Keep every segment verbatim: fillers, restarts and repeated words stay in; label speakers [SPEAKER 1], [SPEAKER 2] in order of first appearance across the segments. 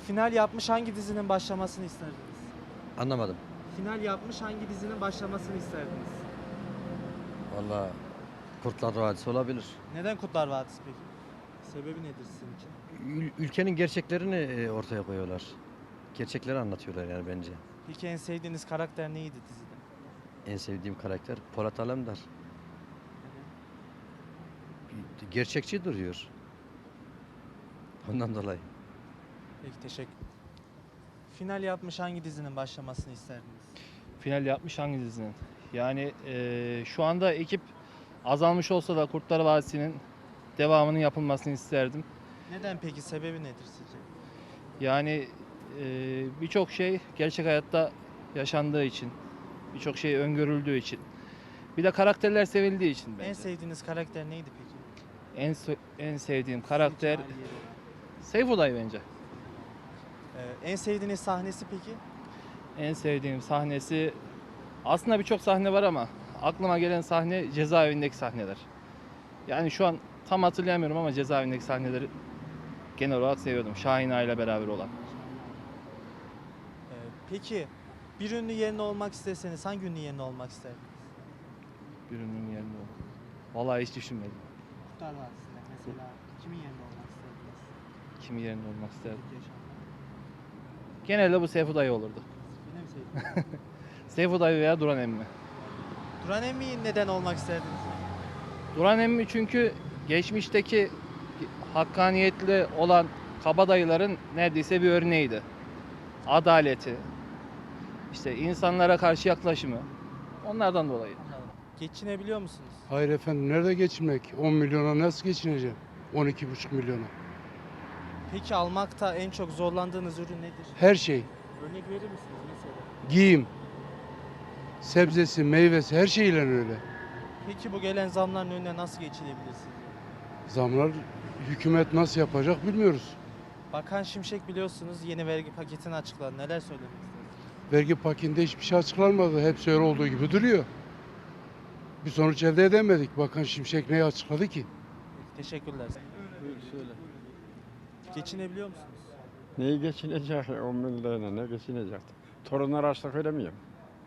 [SPEAKER 1] Final yapmış hangi dizinin başlamasını isterdiniz?
[SPEAKER 2] Anlamadım.
[SPEAKER 1] Final yapmış hangi dizinin başlamasını isterdiniz?
[SPEAKER 2] Vallahi Kurtlar Vadisi olabilir.
[SPEAKER 1] Neden Kurtlar Vadisi peki? Sebebi nedir sizin için?
[SPEAKER 2] Ül- ülkenin gerçeklerini e, ortaya koyuyorlar. Gerçekleri anlatıyorlar yani bence.
[SPEAKER 1] Peki en sevdiğiniz karakter neydi dizide?
[SPEAKER 2] En sevdiğim karakter Polat Alemdar. Gerçekçi duruyor. Ondan dolayı.
[SPEAKER 1] Peki teşekkür. Final yapmış hangi dizinin başlamasını isterdiniz?
[SPEAKER 3] Final yapmış hangi dizinin? Yani eee, şu anda ekip azalmış olsa da Kurtlar Vadisi'nin devamının yapılmasını isterdim.
[SPEAKER 1] Neden peki? Sebebi nedir sizce?
[SPEAKER 3] Yani eee, birçok şey gerçek hayatta yaşandığı için, birçok şey öngörüldüğü için, bir de karakterler sevildiği için bence.
[SPEAKER 1] En sevdiğiniz karakter neydi peki?
[SPEAKER 3] En, se- en sevdiğim karakter
[SPEAKER 1] Sizin için ayrı yeri olan.
[SPEAKER 3] Seyfullah bence.
[SPEAKER 1] Ee, en sevdiğiniz sahnesi peki?
[SPEAKER 3] En sevdiğim sahnesi aslında birçok sahne var ama aklıma gelen sahne cezaevindeki sahneler. Yani şu an tam hatırlayamıyorum ama cezaevindeki sahneleri genel olarak seviyordum. Şahin Ağa ile beraber olan.
[SPEAKER 1] Ee, peki bir ünlü yerine olmak isteseniz hangi ünlü yerine olmak isterdiniz?
[SPEAKER 3] Birinin yerinde oldu. Vallahi hiç düşünmedim.
[SPEAKER 1] Kurtlar Vadisi'nde mesela kimin yerine olmak isterdiniz?
[SPEAKER 3] Kimin yerinde olmak isterdim.
[SPEAKER 1] İlk yaşamda.
[SPEAKER 3] Genelde bu Seyfo dayı olurdu.
[SPEAKER 1] Yine mi sevdiniz?
[SPEAKER 3] Seyfo dayı veya Duran emmi.
[SPEAKER 1] Duran Emmi'yi neden olmak isterdiniz?
[SPEAKER 3] Duran emmi çünkü geçmişteki hakkaniyetli olan kabadayıların neredeyse bir örneğiydi. Adaleti, işte insanlara karşı yaklaşımı, onlardan dolayı.
[SPEAKER 1] Geçinebiliyor musunuz?
[SPEAKER 4] Hayır efendim, nerede geçinmek? on milyona nasıl geçineceğim? on iki buçuk milyona.
[SPEAKER 1] Peki almakta en çok zorlandığınız ürün nedir?
[SPEAKER 4] Her şey.
[SPEAKER 1] Örnek verir misiniz mesela?
[SPEAKER 4] Giyim, sebzesi, meyvesi, her şeyle öyle.
[SPEAKER 1] Peki bu gelen zamların önüne nasıl geçilebilir sizce?
[SPEAKER 4] Zamlar hükümet nasıl yapacak bilmiyoruz.
[SPEAKER 1] Bakan Şimşek biliyorsunuz yeni vergi paketini açıkladı. Neler söylemek istersiniz?
[SPEAKER 4] Vergi paketinde hiçbir şey açıklanmadı. Hepsi öyle olduğu gibi duruyor. Bir sonuç elde edemedik. Bakan Şimşek neyi açıkladı ki?
[SPEAKER 1] Peki, teşekkürler.
[SPEAKER 5] Buyur söyle.
[SPEAKER 1] Geçinebiliyor musunuz?
[SPEAKER 5] Neyi geçinecek on bin lirayla ne geçinecek? Torunlar açlık veremiyorum.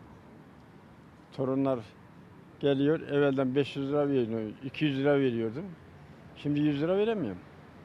[SPEAKER 5] Torunlar geliyor evvelden beş yüz lira veriyor, iki yüz lira veriyordum. Şimdi yüz lira veremiyorum.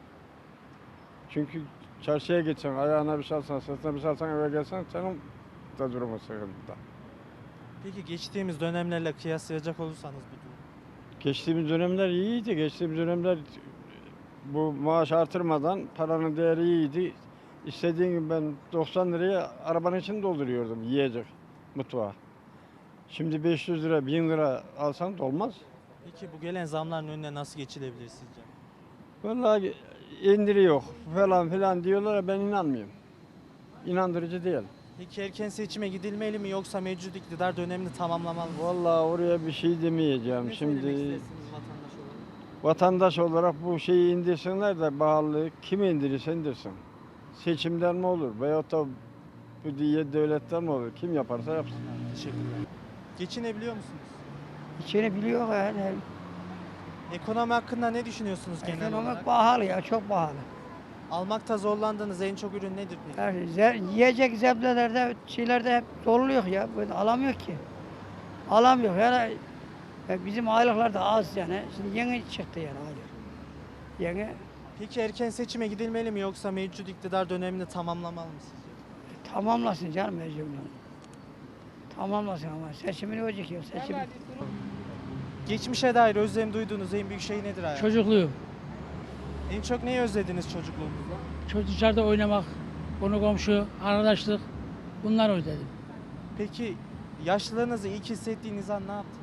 [SPEAKER 5] Çünkü çarşıya geçsen, ayağına bir şey alsan, sırtına bir şey alsan eve gelsen senin de durumu sıkıntıda.
[SPEAKER 1] Peki geçtiğimiz dönemlerle kıyaslayacak olursanız bu durum.
[SPEAKER 5] Geçtiğimiz dönemler iyiydi. Geçtiğimiz dönemler bu maaş artırmadan paranın değeri iyiydi. İstediğim gibi ben doksan liraya arabanın içini dolduruyordum yiyecek mutfağa. Şimdi beş yüz lira, bin lira alsan dolmaz.
[SPEAKER 1] Peki bu gelen zamların önüne nasıl geçilebilir sizce?
[SPEAKER 5] Vallahi indiri yok falan filan diyorlar ya ben inanmıyorum. İnandırıcı değil.
[SPEAKER 1] Peki erken seçime gidilmeli mi yoksa mevcut iktidar dönemini tamamlamalı mı?
[SPEAKER 5] Vallahi oraya bir şey demeyeceğim.
[SPEAKER 1] Ne
[SPEAKER 5] Şimdi
[SPEAKER 1] söylemek istersiniz vatandaş olarak?
[SPEAKER 5] vatandaş olarak bu şeyi indirsinler de pahalılığı kim indirirse indirsin. Seçimden mi olur veyahut da bu diye devletten mi olur? Kim yaparsa yapsın.
[SPEAKER 1] Teşekkürler. Geçinebiliyor musunuz?
[SPEAKER 6] İçeri biliyor yani.
[SPEAKER 1] Ekonomi hakkında ne düşünüyorsunuz genel
[SPEAKER 6] Ekonomik
[SPEAKER 1] olarak?
[SPEAKER 6] pahalı ya, çok pahalı.
[SPEAKER 1] Almakta zorlandığınız en çok ürün nedir peki?
[SPEAKER 6] Yani ze- yiyecek zebdelerde, şeylerde hep zorluyor ya. Böyle alamıyor ki. Alamıyor. Yani ya bizim aylıklar da az yani. Şimdi yeni çıktı yani aylık. Yeni
[SPEAKER 1] Peki erken seçime gidilmeli mi yoksa mevcut iktidar dönemini tamamlamalı mı sizce?
[SPEAKER 6] tamamlasın canım mecburen. Tamamlasın ama seçimini olacak ya. Seçim.
[SPEAKER 1] Geçmişe dair özlem duyduğunuz en büyük şey nedir hayatım?
[SPEAKER 7] Çocukluğum.
[SPEAKER 1] En çok neyi özlediniz çocukluğunuzda?
[SPEAKER 7] Çocuk dışarıda oynamak, konu komşu, arkadaşlık bunlar özledim.
[SPEAKER 1] Peki yaşlılığınızı ilk hissettiğiniz an ne yaptınız?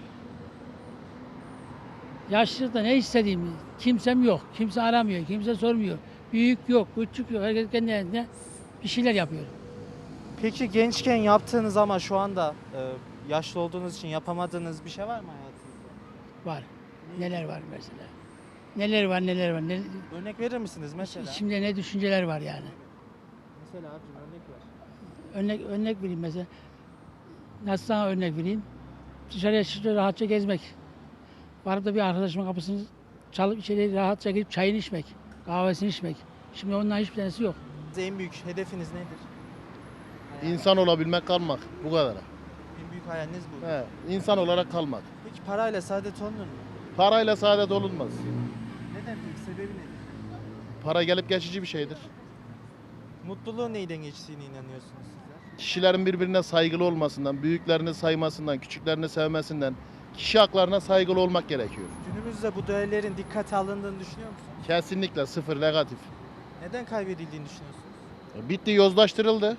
[SPEAKER 7] Yaşlılıkta ne istediğimi kimsem yok. Kimse aramıyor, kimse sormuyor. Büyük yok, küçük yok. Herkes kendi kendine bir şeyler yapıyor.
[SPEAKER 1] Peki gençken yaptığınız ama şu anda e, yaşlı olduğunuz için yapamadığınız bir şey var mı hayatınızda?
[SPEAKER 7] Var. Neler var mesela. Neler var, neler var. Ne,
[SPEAKER 1] Örnek verir misiniz mesela?
[SPEAKER 7] içimde ne düşünceler var yani.
[SPEAKER 1] Mesela abicim örnek ver.
[SPEAKER 7] Örnek, örnek vereyim mesela. Nasıl sana örnek vereyim? Dışarıya çıkıp rahatça gezmek. Varıp da bir arkadaşımın kapısını çalıp içeri rahatça girip çayını içmek, kahvesini içmek. Şimdi onların hiçbir tanesi yok.
[SPEAKER 1] En büyük hedefiniz nedir?
[SPEAKER 8] İnsan olabilmek, kalmak. Bu kadar.
[SPEAKER 1] En büyük hayaliniz bu.
[SPEAKER 8] He, insan olarak kalmak.
[SPEAKER 1] Peki parayla saadet olunur mu?
[SPEAKER 8] Parayla saadet olunmaz.
[SPEAKER 1] Neden peki? Sebebi nedir?
[SPEAKER 8] Para gelip geçici bir şeydir.
[SPEAKER 1] Mutluluğun neyden geçtiğine inanıyorsunuz sizler?
[SPEAKER 8] Kişilerin birbirine saygılı olmasından, büyüklerini saymasından, küçüklerini sevmesinden, kişi haklarına saygılı olmak gerekiyor.
[SPEAKER 1] Günümüzde bu değerlerin dikkate alındığını düşünüyor musunuz?
[SPEAKER 8] Kesinlikle sıfır, negatif.
[SPEAKER 1] Neden kaybedildiğini düşünüyorsunuz?
[SPEAKER 8] Bitti, yozlaştırıldı.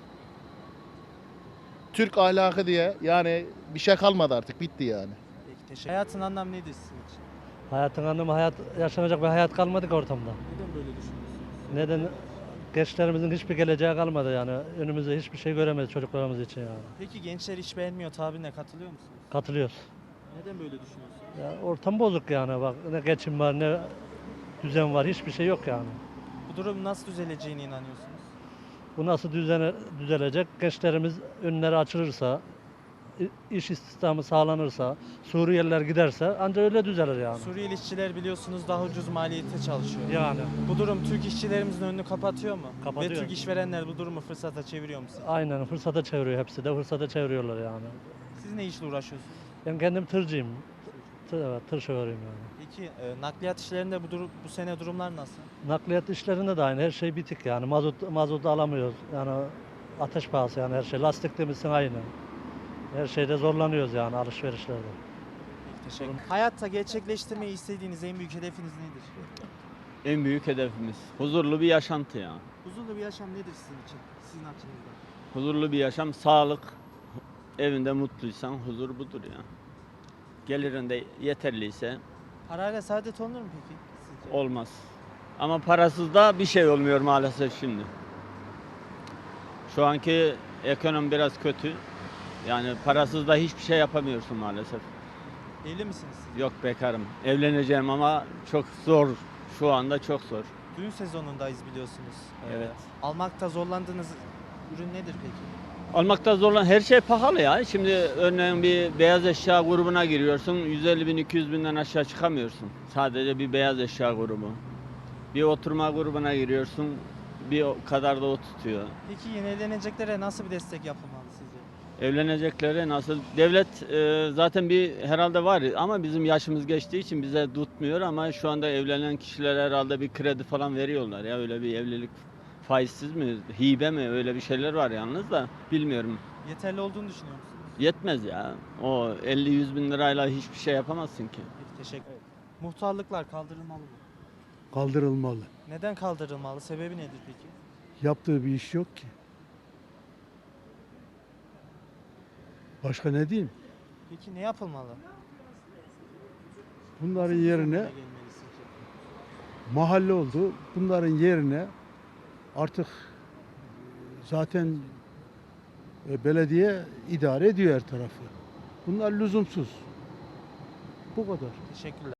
[SPEAKER 8] Türk ahlakı diye yani bir şey kalmadı artık, bitti yani.
[SPEAKER 1] Peki teşekkür Hayatın anlamı nedir sizin için?
[SPEAKER 2] Hayatın anlamı hayat, yaşanacak bir hayat kalmadı ki ortamda.
[SPEAKER 1] Neden böyle düşünüyorsunuz?
[SPEAKER 2] Neden? Gençlerimizin hiçbir geleceği kalmadı yani. Önümüzde hiçbir şey göremeyiz çocuklarımız için yani.
[SPEAKER 1] Peki gençler iş beğenmiyor tabirine katılıyor musunuz?
[SPEAKER 2] Katılıyoruz.
[SPEAKER 1] Neden böyle düşünüyorsunuz?
[SPEAKER 2] Ya ortam bozuk yani bak ne geçim var ne düzen var hiçbir şey yok yani.
[SPEAKER 1] Bu durum nasıl düzeleceğine inanıyorsunuz?
[SPEAKER 2] Bu nasıl düzene, düzelecek? Gençlerimiz önleri açılırsa, i- iş istihdamı sağlanırsa, Suriyeliler giderse ancak öyle düzelir yani.
[SPEAKER 1] Suriyeli işçiler biliyorsunuz daha ucuz maliyette çalışıyor.
[SPEAKER 2] Yani
[SPEAKER 1] Bu durum Türk işçilerimizin önünü kapatıyor mu?
[SPEAKER 2] Kapatıyor.
[SPEAKER 1] Ve Türk işverenler bu durumu fırsata çeviriyor mu sizce?
[SPEAKER 2] aynen fırsata çeviriyor hepsi de fırsata çeviriyorlar yani.
[SPEAKER 1] Siz ne işle uğraşıyorsunuz?
[SPEAKER 2] Ben kendim tırcıyım. Tır, evet, tır şoförüyüm yani.
[SPEAKER 1] Peki e, nakliyat işlerinde bu, durum, bu sene durumlar nasıl?
[SPEAKER 2] Nakliyat işlerinde de aynı her şey bitik yani mazot mazot alamıyoruz yani ateş pahası yani her şey lastik demişsin aynı. Her şeyde zorlanıyoruz yani alışverişlerde.
[SPEAKER 1] Peki, teşekkür Hayatta gerçekleştirmeyi istediğiniz en büyük hedefiniz nedir?
[SPEAKER 9] En büyük hedefimiz huzurlu bir yaşantı ya.
[SPEAKER 1] Huzurlu bir yaşam nedir sizin için? Sizin açınızdan.
[SPEAKER 9] Huzurlu bir yaşam, sağlık, evinde mutluysan huzur budur ya. Gelirinde yeterliyse
[SPEAKER 1] Parayla saadet olunur mu peki sizce?
[SPEAKER 9] olmaz. Ama parasız da bir şey olmuyor maalesef şimdi. Şu anki ekonomi biraz kötü. Yani parasız da hiçbir şey yapamıyorsun maalesef.
[SPEAKER 1] Evli misiniz siz?
[SPEAKER 9] Yok, bekarım. Evleneceğim ama çok zor. Şu anda çok zor.
[SPEAKER 1] Düğün sezonundayız biliyorsunuz. Ee,
[SPEAKER 9] Evet.
[SPEAKER 1] almakta zorlandığınız ürün nedir peki?
[SPEAKER 9] Almakta zorlan her şey pahalı ya. Şimdi örneğin bir beyaz eşya grubuna giriyorsun. yüz elli bin iki yüz binden aşağı çıkamıyorsun. Sadece bir beyaz eşya grubu. Bir oturma grubuna giriyorsun. Bir o kadar da o tutuyor.
[SPEAKER 1] Peki yeni evleneceklere nasıl bir destek yapılmalı sizce?
[SPEAKER 9] Evleneceklere nasıl? Devlet e, zaten bir herhalde var ama bizim yaşımız geçtiği için bize tutmuyor ama şu anda evlenen kişilere herhalde bir kredi falan veriyorlar ya, öyle bir evlilik faizsiz mi, hibe mi, öyle bir şeyler var yalnız da bilmiyorum.
[SPEAKER 1] Yeterli olduğunu düşünüyor musunuz?
[SPEAKER 9] Yetmez ya. O elli yüz bin lirayla hiçbir şey yapamazsın ki.
[SPEAKER 1] Peki teşekkür ederim. Muhtarlıklar kaldırılmalı mı?
[SPEAKER 10] Kaldırılmalı.
[SPEAKER 1] Neden kaldırılmalı? Sebebi nedir peki?
[SPEAKER 10] Yaptığı bir iş yok ki. Başka ne diyeyim?
[SPEAKER 1] Peki ne yapılmalı?
[SPEAKER 10] Bunların
[SPEAKER 1] Nasıl bir
[SPEAKER 10] yerine
[SPEAKER 1] zamana gelmeli sizce?
[SPEAKER 10] mahalle oldu. Bunların yerine artık zaten e, belediye idare ediyor her tarafı. Bunlar lüzumsuz. Bu kadar.
[SPEAKER 1] Teşekkürler.